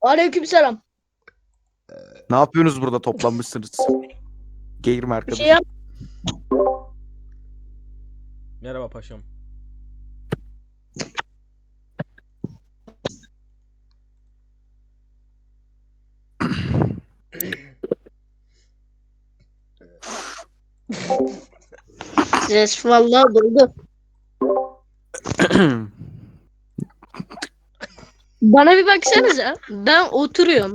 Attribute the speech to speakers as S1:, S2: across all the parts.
S1: Aleykümselam.
S2: Ne yapıyorsunuz burada toplanmışsınız? Gelir mi
S1: Bir
S2: arkadaş?
S1: şey yap.
S3: Merhaba paşam.
S1: Ses vallahi doldu. Bana bir baksanıza. Ben oturuyorum.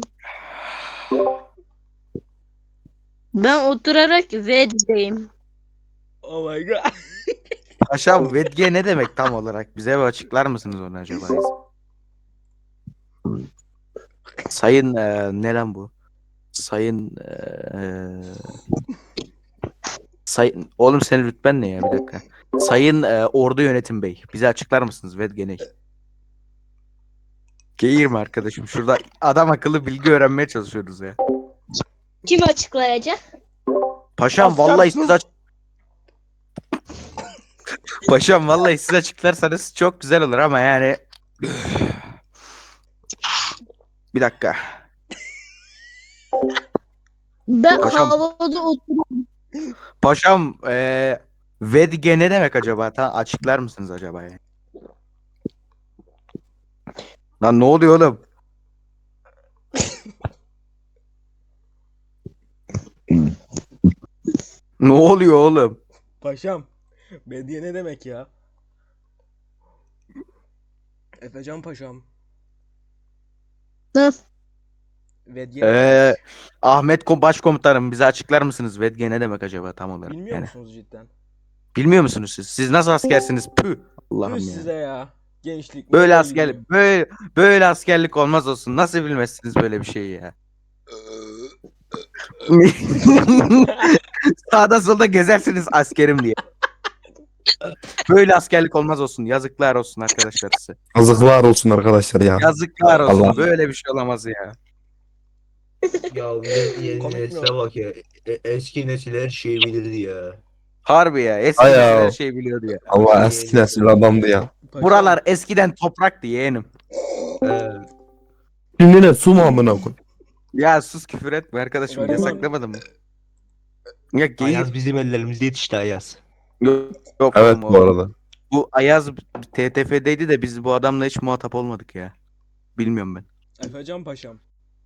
S1: Ben oturarak ved'deyim.
S3: Oh my god.
S2: Paşam vedge ne demek tam olarak? Bize bir açıklar mısınız onu acaba? Sayın ne lan bu? Sayın Sayın oğlum senin rütben ne ya bir dakika. Sayın Ordu Yönetim Bey. Bize açıklar mısınız vedge ne? Gelir mi arkadaşım? Şurada adam akıllı bilgi öğrenmeye çalışıyoruz ya.
S1: Kim açıklayacak?
S2: Paşam
S3: Asker
S2: vallahi
S3: sus!
S2: siz Paşam vallahi siz açıklarsanız çok güzel olur ama yani bir dakika.
S1: Ben
S2: Paşam.
S1: havada oturuyorum.
S2: Paşam vedge ne demek acaba? Açıklar mısınız acaba ya? Lan ne oluyor oğlum? Ne oluyor oğlum?
S3: Paşam. Bediye ne demek ya? Efecan paşam.
S1: Hı.
S3: Vedye ne demek?
S2: Ahmet Başkomutanım bize açıklar mısınız? Vedge ne demek acaba tam olarak?
S3: Bilmiyor
S2: Yani,
S3: musunuz cidden?
S2: bilmiyor musunuz siz? Siz nasıl askersiniz? Püh. Allah'ım
S3: Tüh
S2: ya.
S3: size ya. Gençlik.
S2: Böyle
S3: nereye
S2: askerlik
S3: gidiyor?
S2: böyle askerlik olmaz olsun. Nasıl bilmezsiniz böyle bir şeyi ya? Sağda solda gezersiniz askerim diye. Böyle askerlik olmaz olsun. Yazıklar olsun arkadaşlar size.
S4: Yazıklar olsun arkadaşlar ya.
S2: Yazıklar olsun.
S4: Allah.
S2: Böyle bir şey olamaz ya.
S5: Ya yeni
S3: Komik mi
S5: nesile
S3: o?
S5: bak ya. Eski nesil her şeyi bilirdi ya.
S2: Harbi ya. Eski
S4: Ay
S2: nesil
S4: ya.
S2: her şeyi biliyordu ya.
S4: Allah eski nesil adamdı ya.
S3: Paşam.
S2: Buralar eskiden topraktı yeğenim.
S5: He.
S4: Şimdi ne su mu amına koy?
S2: Ya sus küfür etme arkadaşım.
S3: Gariban.
S2: Yasaklamadın mı? Ya geyik.
S5: Ayaz bizim ellerimizde yetişti Ayaz.
S2: Yok, yok
S4: Evet
S2: oğlum,
S4: bu arada.
S2: Bu Ayaz TTF'deydi de biz bu adamla hiç muhatap olmadık ya. Bilmiyorum ben.
S3: Efecan paşam.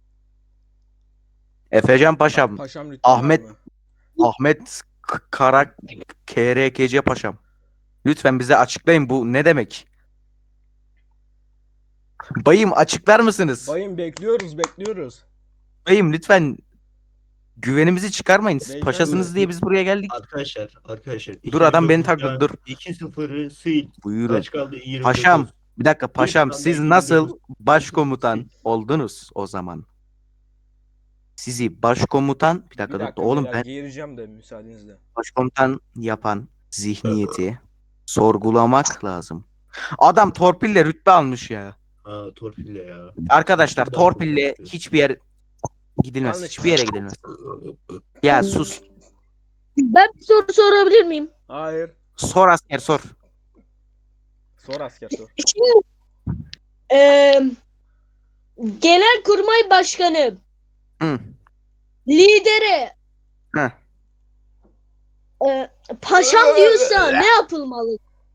S2: Efecan Paşam.
S3: Paşam lütfen
S2: Ahmet-
S3: var mı?
S2: Ahmet Kara KRKC Paşam. Lütfen bize açıklayın bu ne demek? Bayım açıklar mısınız?
S3: Bayım bekliyoruz.
S2: Bayım lütfen güvenimizi çıkarmayın. Siz
S3: Beyefendi.
S2: paşasınız diye biz buraya geldik.
S5: Arkadaşlar.
S2: Dur, adam beni takladı, dur.
S5: 2-0'ı sil.
S2: Buyurun.
S5: Kaç kaldı? 29.
S2: Paşam bir dakika paşam
S5: Bir
S2: siz
S5: tane
S2: nasıl
S5: 29.
S2: başkomutan oldunuz o zaman? Sizi başkomutan bir
S3: Bir
S2: dakika,
S3: dakika
S2: dur oğlum
S3: beyler,
S2: ben
S3: geğireceğim de müsaadenizle.
S2: başkomutan yapan zihniyeti sorgulamak lazım. Adam torpille rütbe almış ya.
S5: Ha torpille ya.
S2: Arkadaşlar
S5: Kim
S2: torpille
S5: başkomutan?
S2: hiçbir yer gidilmez.
S3: Yanlış.
S2: Hiçbir yere gidilmez. Ya sus.
S1: Ben bir soru sorabilir miyim?
S3: Hayır.
S2: Sor asker sor.
S3: Sor asker sor.
S1: Şimdi eee Genelkurmay Başkanı
S2: Hı.
S1: lideri
S2: Heh.
S1: paşam diyorsa ne yapılmalı?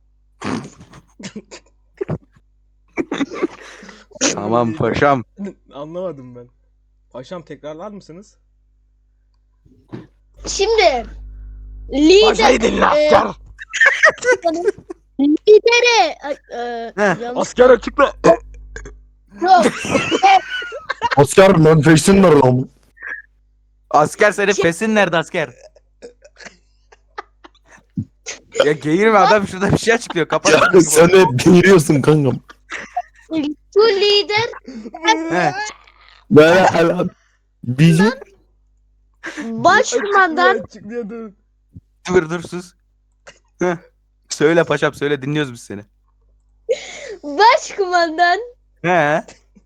S2: Tamam paşam.
S3: Anlamadım ben. Paşam tekrarlar mısınız?
S1: Şimdi lider lideri
S2: Heh.
S1: yanlış
S3: Asker açıkla.
S1: yok.
S4: Asker lan feşsin var lan.
S2: Asker senin fesin nerede asker? Ya geğirme adam şurada bir şey açıklıyor. Kapat.
S4: Ya sen hep giriyorsun kankam.
S1: Bu lider
S2: He.
S4: Böyle hala bizi
S1: başkumandan
S3: Açıklıyor dur.
S2: Dur sus. Heh. Söyle paşam söyle dinliyoruz biz seni.
S1: başkumandan
S2: He.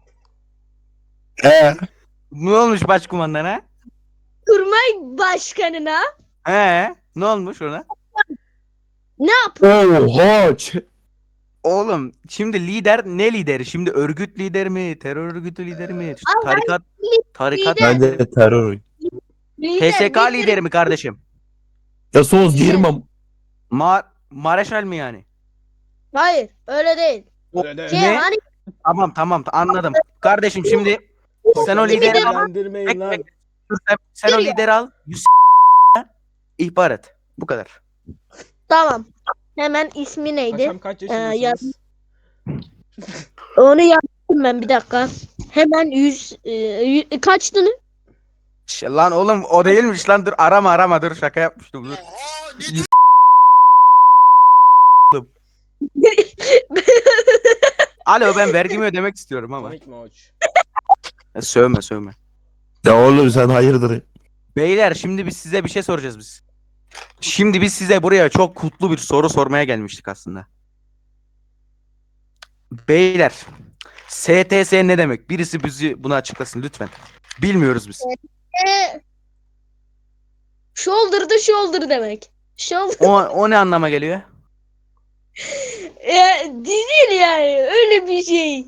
S4: he
S2: Ne olmuş başkumandana?
S1: kurmay başkanına
S2: He. Ne olmuş ona?
S1: ne yap?
S4: oha
S2: Oğlum şimdi lider ne lideri? Şimdi örgüt lider mi? Terör örgütü lideri mi? Tarikat
S1: lider.
S4: Bence terör.
S2: TSK lideri mi kardeşim?
S4: Ya sos girmem.
S2: Mareşal mi yani?
S1: Hayır öyle değil.
S3: Öyle de.
S1: Şey
S2: Ne?
S1: hani
S2: Tamam anladım. Kardeşim şimdi sen o
S3: Paşam,
S2: lideri al.
S3: sinirlendirmeyin lan.
S2: Sen o lideri al. İhbar et. Bu kadar.
S1: tamam. Hemen ismi neydi?
S3: Paşam kaç yaşındasınız?
S1: Onu yazdım ben bir dakika. Hemen 100 kaçtı?
S2: Lan oğlum o değilmiş lan, dur arama dur, şaka yapmıştım dur. Alo, ben vergimi ödemek istiyorum ama.
S3: Komik mi hoç?
S2: Sövme.
S4: Ya oğlum sen hayırdır?
S2: Beyler şimdi biz size bir şey soracağız biz. Şimdi biz size buraya çok kutlu bir soru sormaya gelmiştik aslında. Beyler, STS ne demek? Birisi bizi bunu açıklasın lütfen. Bilmiyoruz biz.
S1: Shoulder to shoulder demek. Shoulder.
S2: O ne anlama geliyor?
S1: Değil yani öyle bir şey.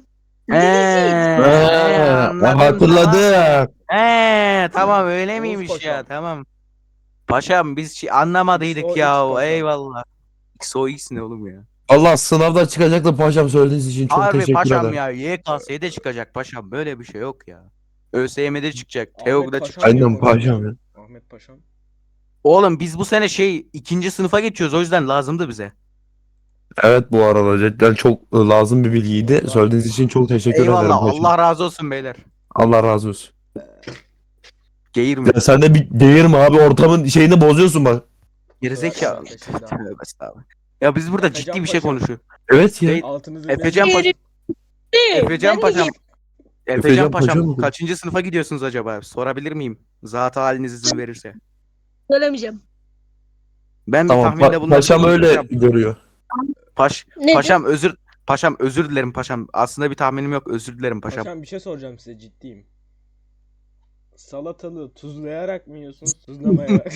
S4: Hatırladım.
S2: Tamam öyle
S3: Oğuz
S2: miymiş
S3: paşam.
S2: ya, tamam. Paşam biz anlamadıydık
S3: XOX
S2: ya,
S3: paşam.
S2: eyvallah. XOX ne oğlum ya?
S4: Allah sınavda çıkacaktı paşam, söylediğiniz için çok
S2: Harbi
S4: teşekkür
S2: paşam
S4: ederim.
S2: ya, YKS'de çıkacak paşam, böyle bir şey yok ya. ÖSYM'de çıkacak,
S3: Ahmet
S2: TEOG'da
S3: Paşam
S2: çıkacak.
S4: Aynen
S3: diyor
S4: paşam ya.
S3: Ahmet Paşam.
S2: Oğlum biz bu sene 2. sınıfa geçiyoruz, o yüzden lazımdı bize.
S4: Evet, bu arada cidden çok lazım bir bilgiydi. Söylediğiniz için çok teşekkür ederim
S2: Eyvallah,
S4: paşam.
S2: Allah razı olsun beyler.
S4: Allah razı olsun.
S2: Geğirme.
S4: Ya sen de bir değirme abi, ortamın şeyini bozuyorsun bak.
S2: Gerizekalı.
S3: Efecan paşam.
S2: Tövbe estağfurullah. Ya biz burada
S3: Efecan
S2: ciddi bir şey
S3: paşam.
S2: konuşuyoruz.
S4: Evet ya.
S2: Değil.
S3: Altınızı
S2: Efecan
S3: verin.
S2: Paşam. Efecan
S1: Ben de
S2: Paşam.
S4: Efecan
S2: Efecan
S4: Paşam
S2: Paşam
S4: mı?
S2: kaçıncı sınıfa gidiyorsunuz acaba? Sorabilir miyim? Zat haliniz izin verirse.
S1: söylemeyeceğim.
S2: Ben bir
S4: Tamam
S2: tahminde bulunabilir
S4: paşam
S2: miyim?
S4: öyle görüyor.
S1: Nedir?
S2: Paşam özür dilerim paşam. Aslında bir tahminim yok. Özür dilerim paşam.
S3: Paşam bir şey soracağım size, ciddiyim. Salatalığı tuzlayarak mı yiyorsunuz, tuzlamayarak?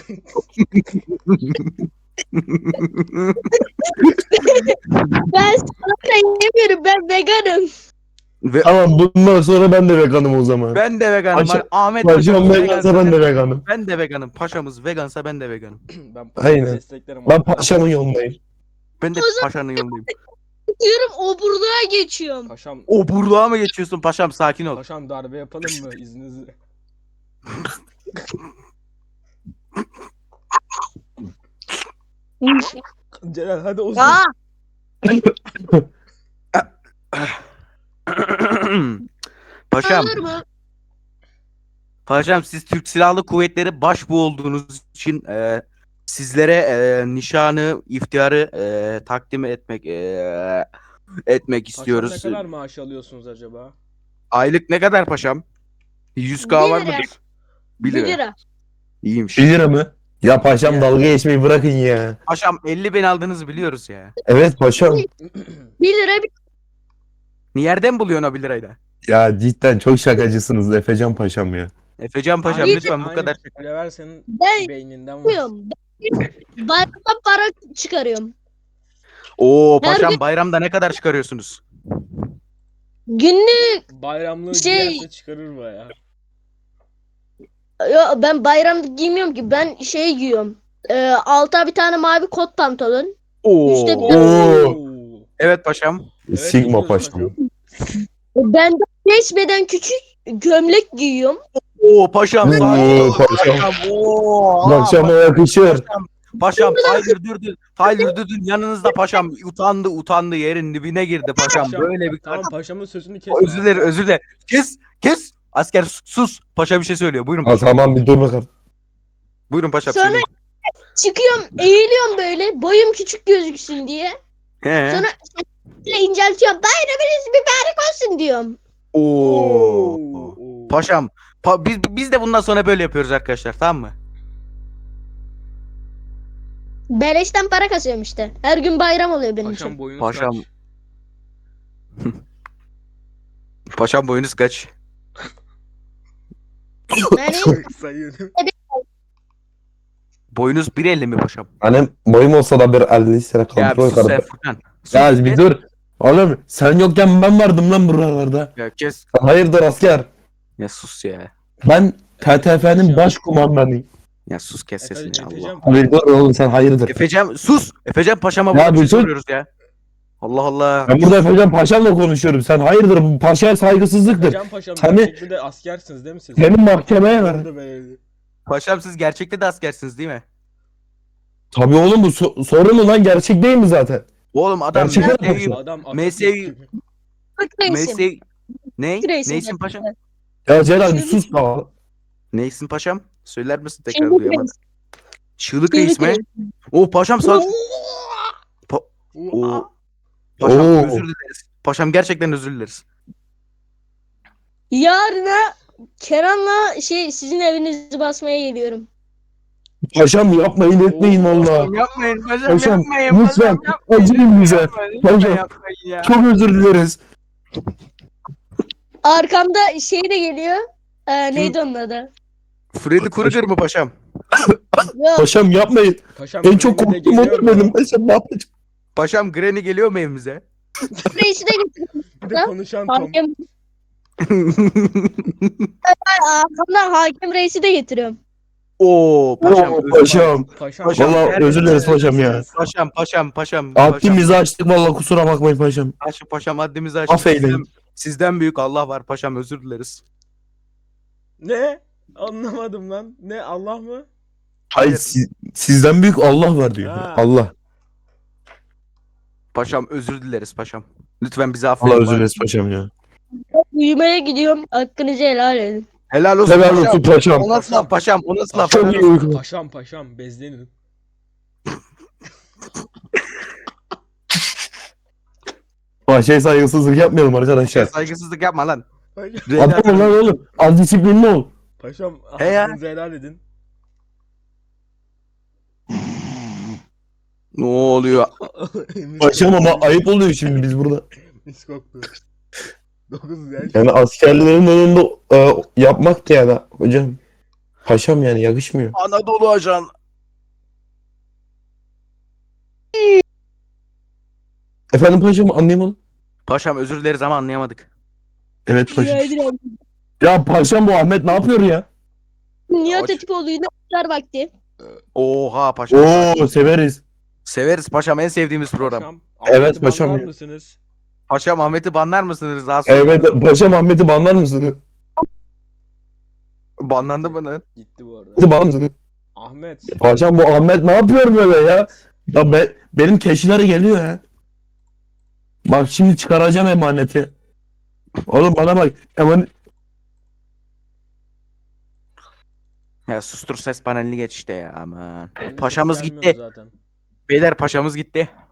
S1: Ben salata yemiyorum, ben veganım.
S4: Tamam, bundan sonra ben de veganım o zaman.
S2: Ben de veganım.
S4: Paşa-
S2: Ahmet
S4: Paşam
S2: paşamız
S4: vegansa ben de veganım.
S2: Ben de veganım. Paşamız vegansa ben de veganım.
S3: Ben paşamı
S4: Aynen.
S3: desteklerim.
S4: Ben
S3: arkadaşlar.
S4: paşamın yolundayım.
S2: Ben de paşanın yanındayım.
S1: Diyorum oburluğa geçiyorum.
S3: Paşam,
S2: O burluğa mı geçiyorsun paşam? Sakin ol.
S3: paşam darbe yapalım mı izninizle? Celal hadi uzun.
S1: Aa,
S2: Paşam,
S1: olur mu?
S2: paşam siz Türk Silahlı Kuvvetleri başbuğ olduğunuz için sizlere nişanı, iftiharı takdim etmek istiyoruz.
S3: Paşam ne kadar maaş alıyorsunuz acaba?
S2: Aylık ne kadar paşam? 100K var
S1: 1 lira.
S2: mıdır?
S1: 1
S2: 1 lira.
S1: lira.
S2: İyiymiş.
S4: 1 lira mı? Ya paşam
S2: Ya.
S4: dalga geçmeyi bırakın ya.
S2: Paşam 50.000 aldığınızı biliyoruz ya.
S4: Evet paşam.
S1: 1 lira bir
S2: Nereden buluyorsun o 1 lirayla?
S4: Ya cidden çok şakacısınız Efecan paşam ya.
S2: Efecan paşam
S1: Aynı-
S2: lütfen bu kadar.
S3: Lever senin
S1: ben
S3: beyninden var.
S1: yapıyorum. Bayramda para çıkarıyorum.
S2: Oo
S1: Her
S2: paşam
S1: gün-
S2: bayramda ne kadar çıkarıyorsunuz?
S1: Günlük
S3: Bayramlığı
S1: Şey-
S3: giyerse çıkarır baya.
S1: ben bayramda giymiyorum ki. Ben şey giyiyorum. Alta bir tane mavi kot pantolon. Üstte bir
S4: Oo.
S2: Evet paşam.
S3: Evet,
S4: Sigma
S3: biliyoruz
S4: paşam.
S1: Ben de 5 beden küçük gömlek giyiyorum.
S2: Oo paşam.
S4: Oo,
S2: sakin ol.
S4: paşam.
S2: Oo.
S4: Paşama yakışır.
S2: Paşam Tyler Durden yanınızda paşam utandı yerin dibine girdi paşam.
S3: Paşam,
S2: Böyle bir
S3: Tamam paşamın sözünü kes.
S2: özür dilerim. Kes. Asker sus. Paşa bir şey söylüyor. Buyurun
S4: Ha,
S2: paşam.
S4: tamam bir dur bakalım.
S2: Buyurun paşam.
S1: Sonra-
S2: Söyleyin.
S1: Çıkıyorum, eğiliyorum böyle. Boyum küçük gözüksün diye.
S2: He.
S1: Sonra inceltiyorum. Bayramınız mübarek olsun diyorum.
S2: Oo. Paşam. Biz de bundan sonra böyle yapıyoruz arkadaşlar, tamam mı?
S1: Beleşten para kasıyorum işte. Her gün bayram oluyor benim
S3: Paşam
S1: için.
S3: boyunuz
S2: Paşam.
S3: kaç?
S2: Paşam boyunuz kaç?
S1: Yani
S3: Sayıyorum.
S2: Boyunuz 1.50 mi paşam?
S4: Hani boyum olsa da bir 50 sene
S2: Ya bir
S4: kontrol
S2: sus sen
S4: yaparım.
S2: Furkan. Sus,
S4: Ya bir
S2: kes.
S4: dur. Oğlum sen yokken ben vardım lan buralarda.
S2: Ya kes.
S4: Hayırdır asker?
S2: Ya sus ya.
S4: Ben TTF'nin baş kumandanıyım.
S2: Ya sus kes sesini Allah.
S3: Efecan
S4: Hayırdır oğlum sen hayırdır.
S2: Efecem sus. Efecem paşama
S4: Ya
S2: burada bir şey
S4: bütün-
S2: soruyoruz ya. Allah Allah.
S4: Ben burada Efecan Paşa'mla konuşuyorum. Sen hayırdır bu paşaya saygısızlıktır.
S3: Can Paşam
S4: Seni-
S3: gerçekten de askersiniz değil mi siz?
S4: Seni mahkemeye ver.
S3: Oldu be.
S2: Paşam siz gerçekte de askersiniz değil mi?
S4: Tabii oğlum bu sorun mu lan gerçek değil mi zaten?
S2: Oğlum adam
S4: Gerçekten de
S2: mesleği,
S4: paşam.
S3: Adam
S2: Mesleği-
S1: Türk reisim.
S2: mesleği ne?
S1: Türk reisim.
S2: Neysin paşam?
S4: Ya Celal bir sus ya.
S2: Neysin paşam? Söyler misin tekrar
S1: Çığlık
S2: duyamadım.
S1: reis.
S2: Çığlık
S1: Çığlık
S2: reis mi?
S1: reis.
S2: O paşam sağ. O paşam
S4: Oo.
S2: özür dileriz. Paşam gerçekten özür dileriz.
S1: Yarına Kenan'la sizin evinizi basmaya geliyorum.
S4: Paşam yapmayın etmeyin valla.
S2: Yapmayın paşam
S4: Paşam
S2: yapmayın.
S4: lütfen acıyın bize. Paşam
S2: ya.
S4: çok özür dileriz.
S1: Arkamda de geliyor. Neydi onun adı?
S2: Freddy Krueger mı paşam?
S1: Yok.
S4: Paşam yapmayın.
S3: Paşam
S4: En çok
S3: Granny de
S4: korktuğum
S3: geliyor
S4: odur
S3: mu?
S4: benim. Paşam ne yapacağım?
S2: Paşam Granny geliyor mu evimize?
S1: Reisi de getiriyorum.
S3: Bir de konuşan Tom.
S1: Hakem. Arkamdan hakem reisi de getiriyorum.
S2: Oo paşam.
S4: Oo,
S2: özür-
S4: paşam.
S3: Paşam.
S2: Paşam,
S4: Valla
S2: her-
S4: özür dileriz paşam ya.
S2: Paşam.
S4: Haddimizi açtık valla kusura bakmayın paşam.
S2: Paşam haddimizi açtık.
S4: Affeyleyin.
S2: Sizden büyük Allah var paşam özür dileriz.
S3: Ne? Anlamadım lan. Ne Allah mı?
S4: Hayır sizden büyük Allah var diyor.
S3: Ha.
S4: Allah.
S2: Paşam özür dileriz paşam. Lütfen bizi affedin.
S4: Allah özür dileriz paşam ya.
S1: Uyumaya gidiyorum. Hakkınızı helal edin.
S2: Helal olsun
S4: Helal
S2: paşam.
S4: olsun paşam.
S2: O nasıl laf paşam? O nasıl laf?
S4: Çok iyi uyku.
S3: Paşam bezlenin.
S4: Paşaya saygısızlık yapmayalım arkadaşlar.
S2: Saygısızlık yapma lan.
S4: Adam ol lan oğlum. Az disiplinli ol.
S3: Paşam
S2: He ya.
S3: hakkınızı helal edin.
S2: Ne oluyor?
S4: Paşam ama ayıp oluyor şimdi biz burada.
S3: Mis koktu. 9 yaş.
S4: Yani askerlerin önünde yapmak da yani hocam. Paşam yani yakışmıyor.
S2: Anadolu ajan.
S4: Efendim paşam anlayamadım.
S2: Paşam özür dileriz ama anlayamadık.
S4: Evet
S1: Rica
S4: paşam.
S1: ederim.
S4: Ya paşam bu Ahmet ne yapıyor ya?
S1: Nihat
S2: Aç.
S1: Atipoğlu'yla iftar vakti.
S2: Oha paşam.
S4: Oo severiz.
S2: Severiz paşam en sevdiğimiz program.
S3: Paşam.
S4: Evet,
S3: Ahmet'i
S4: paşam
S3: banlar
S4: ya.
S3: mısınız?
S2: Paşam Ahmet'i banlar mısınız? Daha sonra?
S4: Evet paşam Ahmet'i banlar mısın?
S2: Banlandı mı lan?
S3: Gitti bu arada.
S4: Ahmet'i banlar mısın?
S3: Ahmet.
S4: Paşam bu Ahmet ne yapıyor böyle ya? Ya benim keşiler geliyor ya. Bak şimdi çıkaracağım emaneti. Oğlum bana bak.
S2: Ya sustur ses panelini geç işte ya aman.
S3: Benim
S2: Paşamız
S3: gelmiyor
S2: gitti.
S3: Zaten.
S2: Beyler paşamız gitti.